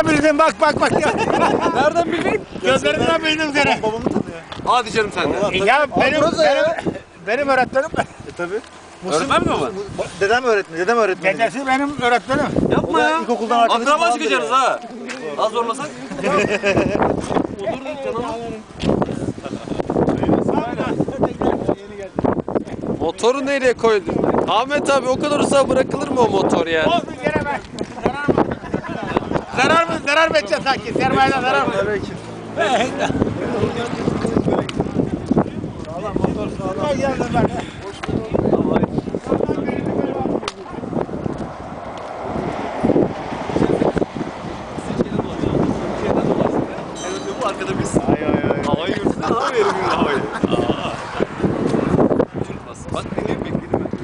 Bildim bak ya. Nereden bildin? Gözlerinden bildim seni. Babamı tanıyor. Hadi canım sen de. Ya benim öğretmenim. Tabii. Öğretmen mi baba? Dedem öğretmeni. Dedesi benim öğretmenim. Yapma ya. İlkokuldan arkadaşım Akraba falandır çıkacaksınız ya. ha. Az zorlasak. Olur canım. Motoru nereye koydun? Ahmet abi o kadar uzağa bırakılır mı o motor ya? Olsun gene ben. Zarar mı edeceğiz sanki? Sermayeden zarar mı? Tabii ki. Sağlam motor sağlam. Bu arkada biz. Havayı görsün abi verim havayı. Bak ne bekledim ben.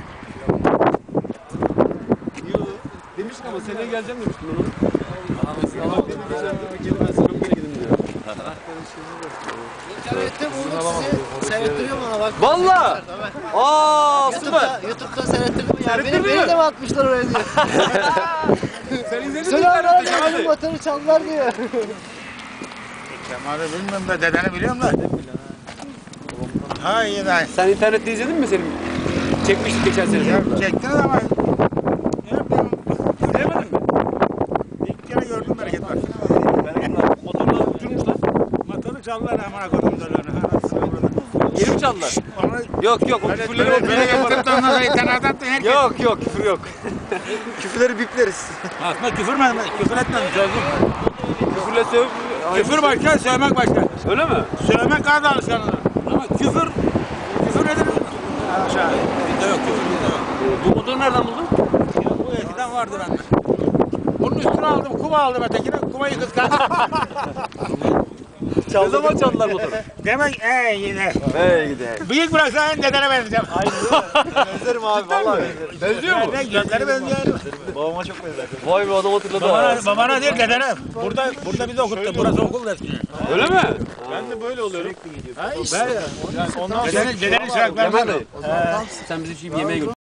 Demiştin ama seneye geleceğim demiştin onu. Allah ben sana geri gidin diyor. İnternette buldum sizi. Seyrettiriyor bana bak. Valla! Aa süper! YouTube'da seyrettirdim ya. Seyrettirdin Beni mi? de mi atmışlar oraya diyor. Sen izledin mi Söyle internette abi Kemal'i? motoru çaldılar diyor. Kemal'i bilmiyorum da dedeni biliyorum da. Ha iyi de. Sen internette izledin mi senin? Çekmiştik geçen sene. Ya çektiniz ama. İzleyemedin mi? İlk kere gördüm bereket var. Motorla uçurmuşlar. Motoru çaldılar amına koydum döllerini. Geri mi çaldılar? Onu Yok yok o küfürleri o böyle getirip de ondan sonra internetten attı herkes. Yok küfür yok. Küfürleri bipleriz. Aslında küfür mü? Küfür etmedim sözüm. Küfürle söv... Küfür başka, sövmek başka. Öyle mi? Sövmek daha da alışkanlığı. Ama küfür nedir? Aşağı. Bizde yok küfür bizde yok. Bu motoru nereden buldun? Ya bu eskiden vardı bende. Bunun üstüne aldım, kuva aldım ötekine. Kuvayı kıskandım. Ne zaman çaldılar motoru? Demek yine. Hey gidelim. Büyük bıraksan dedene benzeyeceğim. Benzerim abi vallahi benzerim. Benziyor mu? Gözleri benziyor. Babama çok benzer. Vay be adam hatırladı ha. Babana değil dedene. Burada bizi okuttu. Burası okul eskiden. Öyle mi? Ben de böyle oluyorum. Dedenin Kemal şarkılarını. Bey. Sen bizi şimdi yemeğe götür.